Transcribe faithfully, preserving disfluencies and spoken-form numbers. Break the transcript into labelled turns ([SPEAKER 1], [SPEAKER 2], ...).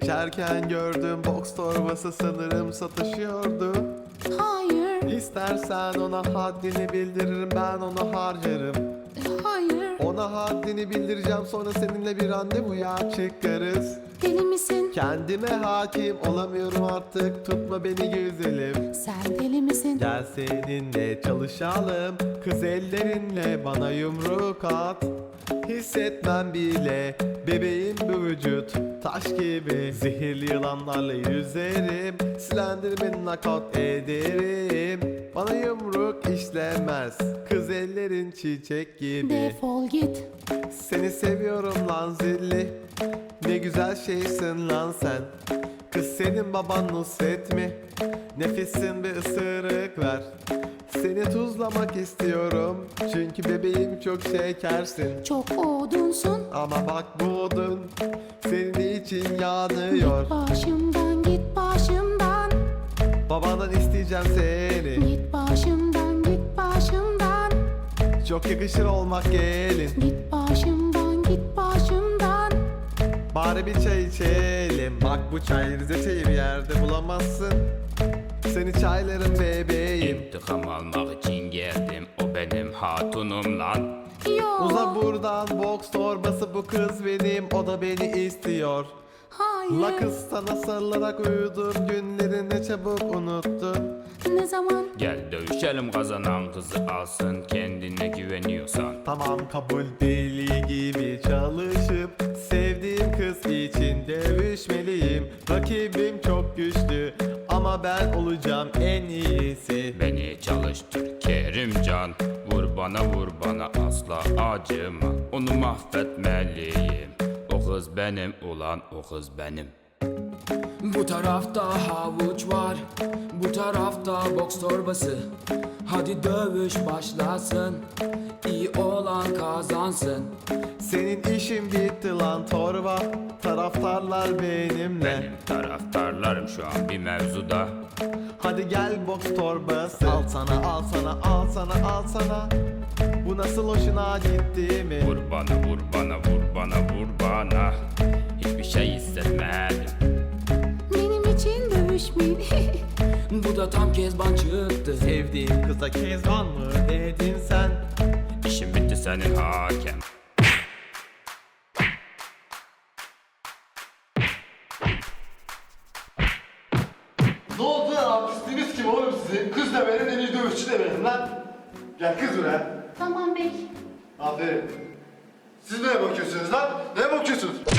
[SPEAKER 1] Geçerken gördüm, boks torbası sanırım satışıyordu.
[SPEAKER 2] Hayır,
[SPEAKER 1] İstersen ona haddini bildiririm, ben ona harcarım.
[SPEAKER 2] hayır.
[SPEAKER 1] Ona haddini bildireceğim, sonra seninle bir randevuya çıkarız.
[SPEAKER 2] Deli misin?
[SPEAKER 1] Kendime hakim olamıyorum artık, tutma beni güzelim.
[SPEAKER 2] Sen deli misin?
[SPEAKER 1] Gel seninle çalışalım, kız ellerinle bana yumruk at. Hissetmem bile bebeğim bu vücut, taş gibi. Zehirli yılanlarla yüzerim, Slenderman'ı nakavt ederim. Bana yumruk işlemez, kız ellerin çiçek gibi.
[SPEAKER 2] Defol git.
[SPEAKER 1] Seni seviyorum lan zilli, ne güzel şeysin lan sen. Kız senin baban Nusret mi? Nefesin bir ısırık ver. Seni tuzlamak istiyorum, çünkü bebeğim çok şekersin.
[SPEAKER 2] Çok odunsun.
[SPEAKER 1] Ama bak bu odun senin için yanıyor.
[SPEAKER 2] Git başımdan, git başımdan.
[SPEAKER 1] Babandan isteyeceğim seni,
[SPEAKER 2] Git başımdan, git başımdan.
[SPEAKER 1] çok yakışır olmak gelin.
[SPEAKER 2] Git başımdan, git başımdan.
[SPEAKER 1] Bari bir çay içelim, bak bu çay Rize çayı bir yerde bulamazsın. Seni çaylarım bebeğim.
[SPEAKER 3] İntikam almak için geldim, o benim hatunum lan.
[SPEAKER 2] Yok.
[SPEAKER 1] Uza buradan, boks torbası bu kız benim, o da beni istiyor.
[SPEAKER 2] Hayır.
[SPEAKER 1] La kız sana sarılarak uyudum, günleri ne çabuk unuttun.
[SPEAKER 2] Ne zaman?
[SPEAKER 3] Gel dövüşelim, kazanan kızı alsın, kendine güveniyorsan.
[SPEAKER 1] Tamam kabul, deli gibi çalışıp sevdiğim kız için dövüşmeliyim. Rakibim çok güçlü ama ben olacağım en iyisi.
[SPEAKER 3] Beni çalıştır Kerimcan, vur bana vur bana asla acıma. Onu mahvetmeliyim, o kız benim ulan, o kız benim.
[SPEAKER 4] Bu tarafta havuç var, bu tarafta boks torbası. Hadi dövüş başlasın, iyi olan kazansın.
[SPEAKER 1] Senin işin bitti lan torba, taraftarlar benimle.
[SPEAKER 3] Benim taraftarlarım şu an bir mevzuda.
[SPEAKER 1] Hadi gel boks torbası, al sana al sana al sana al sana. Bu nasıl hoşuna gitti mi?
[SPEAKER 3] Vur bana vur bana vur bana vur bana. Hiçbir şey hissetmedim.
[SPEAKER 2] Benim için dövüşmeyin.
[SPEAKER 4] Bu da tam Kezban çıktı.
[SPEAKER 1] Sevdiğim kıza kezban mı dedin sen?
[SPEAKER 3] İşim bitti senin hakem.
[SPEAKER 5] Ne oldu lan, artistiniz kim oğlum sizin? Kız da benim, en iyi dövüşçü de benim lan. Gel kız buraya.
[SPEAKER 2] Tamam bey.
[SPEAKER 5] Aferin. Siz neye bakıyorsunuz lan? Neye bakıyorsunuz?